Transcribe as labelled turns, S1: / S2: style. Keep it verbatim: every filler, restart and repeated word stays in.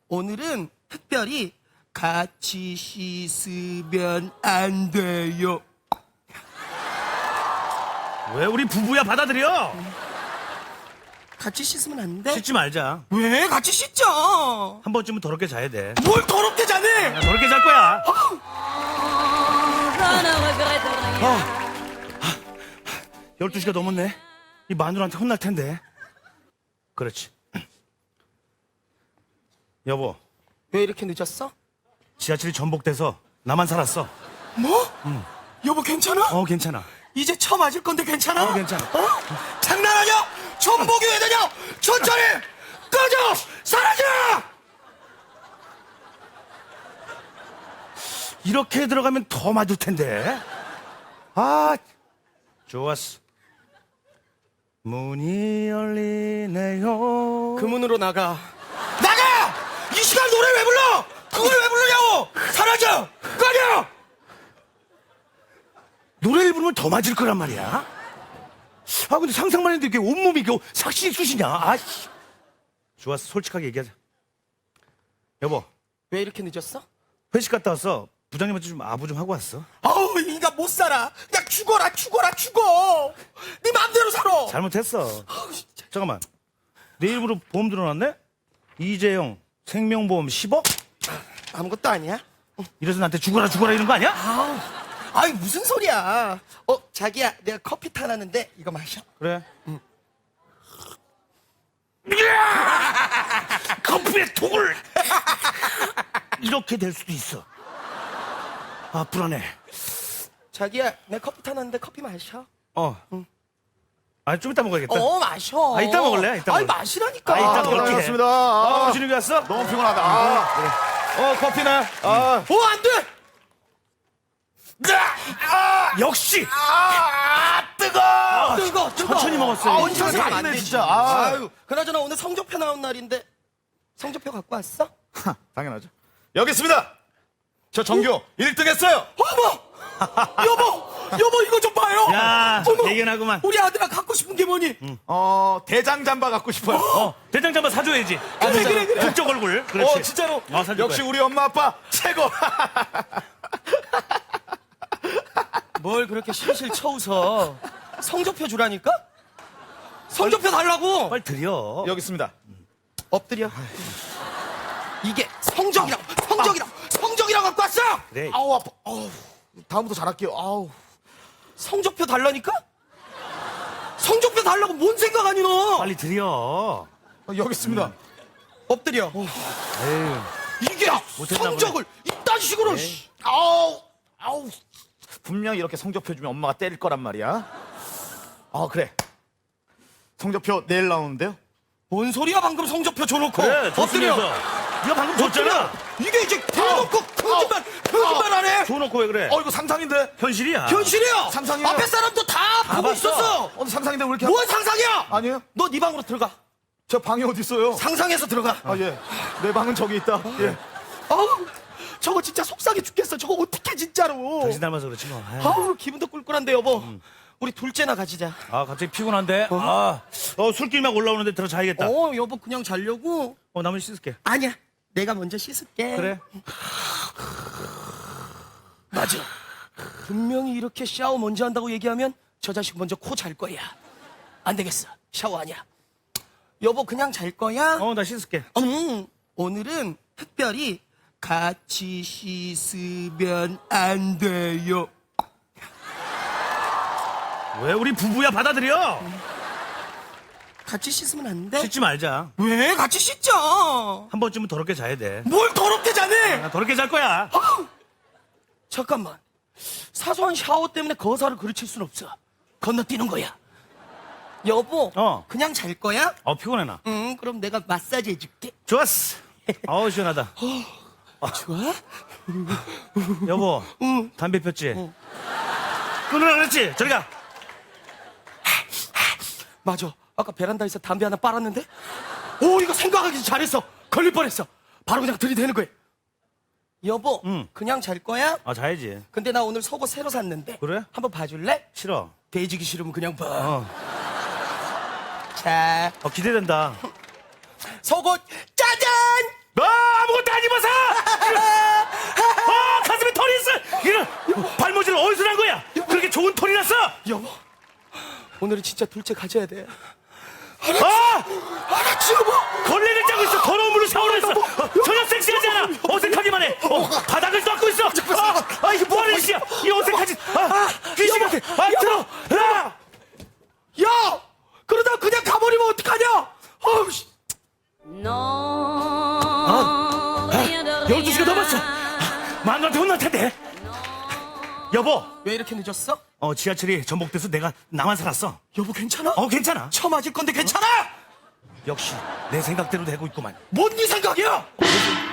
S1: 오늘은 특별히 같이 씻으면 안 돼요.
S2: 왜 우리 부부야 받아들여?
S1: 같이 씻으면 안 돼?
S2: 씻지 말자.
S1: 왜? 같이 씻자.
S2: 한 번쯤은 더럽게 자야 돼.
S1: 뭘 더럽게 자네?
S2: 야, 더럽게 잘 거야. 열두 시가 넘었네. 이 마누라한테 혼날 텐데. 그렇지. 여보,
S1: 왜 이렇게 늦었어?
S2: 지하철이 전복돼서 나만 살았어.
S1: 뭐? 여보 괜찮아?
S2: 어, 괜찮아.
S1: 이제 쳐 맞을 건데 괜찮아?
S2: 어, 괜찮아.
S1: 어? 장난하냐? 전복이 왜 되냐? 천천히 꺼져! 사라져!
S2: 이렇게 들어가면 더 맞을 텐데. 아, 좋았어. 문이 열리네요.
S1: 그 문으로 나가. 나가! 이 시간 노래 왜 불러? 그걸 왜 부르냐고! 사라져! 꺼져!
S2: 노래를 부르면 더 맞을 거란 말이야. 아, 근데 상상만 했는데 이게 온몸이 이게 삭신이 쑤시냐. 아씨. 좋았어. 솔직하게 얘기하자. 여보,
S1: 왜 이렇게 늦었어?
S2: 회식 갔다 왔어. 부장님한테 좀 아부 좀 하고 왔어.
S1: 아우, 이 인간 못 살아. 그냥 죽어라, 죽어라, 죽어. 네 맘대로 살아.
S2: 잘못했어.
S1: 아우, 진짜.
S2: 잠깐만. 내 이름으로 보험 들어놨네? 이재영 생명보험 십억?
S1: 아무것도 아니야.
S2: 이래서 나한테 죽어라 죽어라 이런 거 아니야?
S1: 아우, 아이 무슨 소리야. 어, 자기야, 내가 커피 타놨는데 이거 마셔.
S2: 그래. 응. 커피에 독을 이렇게 될 수도 있어. 아, 불안해.
S1: 자기야, 내가 커피 타놨는데 커피 마셔.
S2: 어. 응. 아, 좀 이따 먹어야겠다.
S1: 어, 마셔.
S2: 아, 이따 먹을래? 이따
S1: 아이,
S2: 먹을래.
S1: 마시라니까.
S2: 아, 이따
S3: 아,
S2: 먹을게.
S3: 반갑습니다.
S2: 어,
S3: 아,
S2: 준욱이 왔어?
S3: 너무 피곤하다. 아, 그래. 어, 커피나. 아,
S1: 어, 안 돼!
S2: 역시!
S3: 아, 뜨거!
S1: 뜨거, 뜨거.
S2: 천천히 먹었어요.
S1: 아,
S3: 인사가
S1: 천천히 하면 안
S3: 닿네,
S1: 되지.
S3: 진짜. 아.
S1: 아유, 그나저나 오늘 성적표 나온 날인데 성적표 갖고 왔어?
S3: 하, 당연하죠. 여기 있습니다. 저 전교 일 등 했어요.
S1: 어머! 여보! 여보, 이거 좀 봐요!
S2: 야,
S1: 어머,
S2: 대견하구만.
S1: 우리 아들아 갖고 싶은 게 뭐니?
S3: 어, 대장 잠바 갖고 싶어요.
S2: 어, 대장 잠바 사줘야지.
S1: 그래, 그래, 그래.
S2: 북적 얼굴. 그렇지.
S3: 어, 진짜로.
S2: 어, 사줄
S3: 역시
S2: 거야.
S3: 우리 엄마 아빠 최고.
S1: 뭘 그렇게 실실 쳐웃어. 성적표 주라니까? 성적표 달라고!
S2: 빨리 드려.
S3: 여기 있습니다.
S1: 엎드려. 이게 성적이라고! 성적이라고! 성적이라고 갖고 왔어!
S2: 그래.
S3: 아우, 아파. 아우, 다음부터 잘할게요. 아우.
S1: 성적표 달라니까? 성적표 달라고 뭔 생각하니 너?
S2: 빨리 드려.
S3: 어, 여기 있습니다.
S1: 엎드려.
S2: 에휴.
S1: 이게
S2: 못했나
S1: 성적을 이딴 식으로. 씨.
S3: 아우, 아우. 분명히 이렇게 성적표 주면 엄마가 때릴 거란 말이야. 아, 그래. 성적표 내일 나오는데요?
S1: 뭔 소리야 방금 성적표 줘놓고.
S2: 그래,
S1: 엎드려.
S2: 좋습니다. 네가 방금 줬잖아.
S1: 이게 이제 대놓고 거짓말 거짓말 안 해.
S2: 줘놓고 왜 그래?
S3: 어, 이거 상상인데?
S2: 현실이야.
S1: 현실이야.
S3: 상상이에요.
S1: 앞에 사람도 다 보고
S2: 봤어.
S1: 있었어.
S3: 어, 상상인데 왜 이렇게.
S1: 뭔 상상이야?
S3: 아니에요?
S1: 너 네 방으로 들어가.
S3: 저 방이 어디 있어요?
S1: 상상해서 들어가.
S3: 아, 예. 내 방은 저기 있다. 예.
S1: 아우, 저거 진짜 속상해 죽겠어. 저거 어떻게 진짜로.
S2: 당신 닮아서 그렇지 뭐. 아유.
S1: 아우, 기분도 꿀꿀한데 여보. 우리 둘째나 가지자.
S2: 아, 갑자기 피곤한데? 아, 어, 술길 막 올라오는데 들어 자야겠다. 어,
S1: 어, 여보 그냥 자려고.
S2: 나머지 씻을게.
S1: 아니야. 내가 먼저 씻을게.
S2: 그래.
S1: 맞아. 분명히 이렇게 샤워 먼저 한다고 얘기하면 저 자식 먼저 코 잘 거야. 안 되겠어. 샤워 아니야. 여보 그냥 잘 거야?
S2: 어, 나 씻을게.
S1: 음, 오늘은 특별히 같이 씻으면 안 돼요.
S2: 왜 우리 부부야 받아들여?
S1: 같이 씻으면 안 돼?
S2: 씻지 말자.
S1: 왜? 같이 씻자.
S2: 한 번쯤은 더럽게 자야 돼.
S1: 뭘 더럽게 자네?
S2: 나 더럽게 잘 거야.
S1: 잠깐만. 사소한 샤워 때문에 거사를 그르칠 순 없어. 건너뛰는 거야. 여보,
S2: 어.
S1: 그냥 잘 거야?
S2: 어, 피곤해 나.
S1: 응, 그럼 내가 마사지 해줄게.
S2: 좋았어. 어우, 시원하다.
S1: 좋아?
S2: 여보,
S1: 응.
S2: 담배 폈지? 끊으라 그랬지? 저리 가.
S1: 맞아. 아까 베란다에서 담배 하나 빨았는데? 오, 이거 생각하기 잘했어. 걸릴 뻔했어. 바로 그냥 들이대는 거야. 여보,
S2: 응.
S1: 그냥 잘 거야?
S2: 아, 자야지.
S1: 근데 나 오늘 속옷 새로 샀는데.
S2: 그래?
S1: 한번 봐줄래?
S2: 싫어.
S1: 돼지기 싫으면 그냥 봐.
S2: 어,
S1: 자,
S2: 어 기대된다.
S1: 속옷 짜잔!
S2: 너무
S1: 오늘은 진짜 둘째 가져야 돼.
S2: 아!
S1: 알았지 여보.
S2: 걸레를 짜고 있어. 더러운 물로 샤워를 했어. 어, 전혀 섹시하지 않아. 어색하기만 해. 어, 바닥을 닦고 있어. 아, 아 이게 뭐하는 짓이야? 이 어색한 짓. 아, 귀신 같아. 아, 들어. 야!
S1: 야, 그러다 그냥 가버리면 어떡하냐? 어우, 씨.
S2: 아, 열두 시가 넘었어. 마누라한테 혼날 텐데. 여보.
S1: 왜 이렇게 늦었어?
S2: 어, 지하철이 전복돼서 내가 나만 살았어.
S1: 여보 괜찮아?
S2: 어, 괜찮아.
S1: 처 맞을 건데 괜찮아?
S2: 역시 내 생각대로 되고 있구만.
S1: 뭔 네 생각이야?